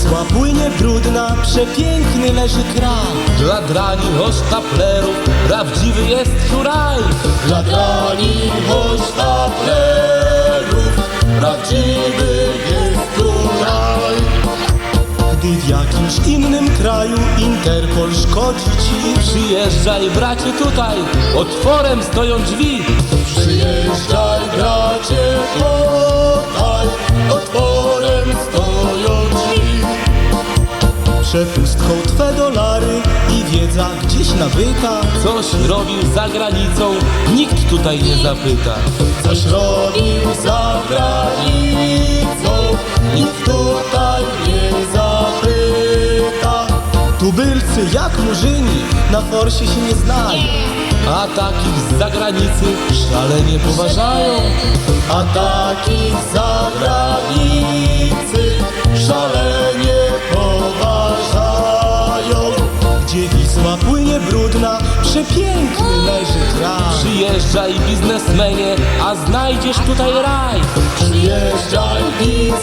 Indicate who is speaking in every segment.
Speaker 1: Wisła płynie brudna, przepiękny leży kraj.
Speaker 2: Dla drani hosztaplerów prawdziwy jest tu raj.
Speaker 1: Dla drani hosztaplerów prawdziwy jest tu raj. Gdy w jakimś innym kraju Interpol szkodzi ci,
Speaker 2: Przyjeżdżaj bracie tutaj, otworem stoją drzwi.
Speaker 1: przyjeżdżaj bracie tutaj, otworem stoją drzwi. Przepustką twe dolary i wiedza gdzieś nabyta.
Speaker 2: Coś robił za granicą, nikt tutaj nie zapyta.
Speaker 1: Coś robił za granicą, nikt tutaj nie zapyta. Tubylcy jak murzyni na forsie się nie znają,
Speaker 2: A takich z zagranicy szalenie poważają.
Speaker 1: a takich za granicy szalenie poważają. Gdzie Wisła płynie brudna, przepiękny leży kraj.
Speaker 2: Przyjeżdżaj biznesmenie, a znajdziesz tutaj raj.
Speaker 1: Przyjeżdżaj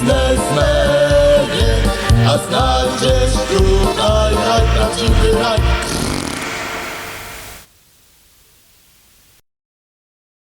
Speaker 1: biznesmenie, a znajdziesz tutaj raj, prawdziwy raj.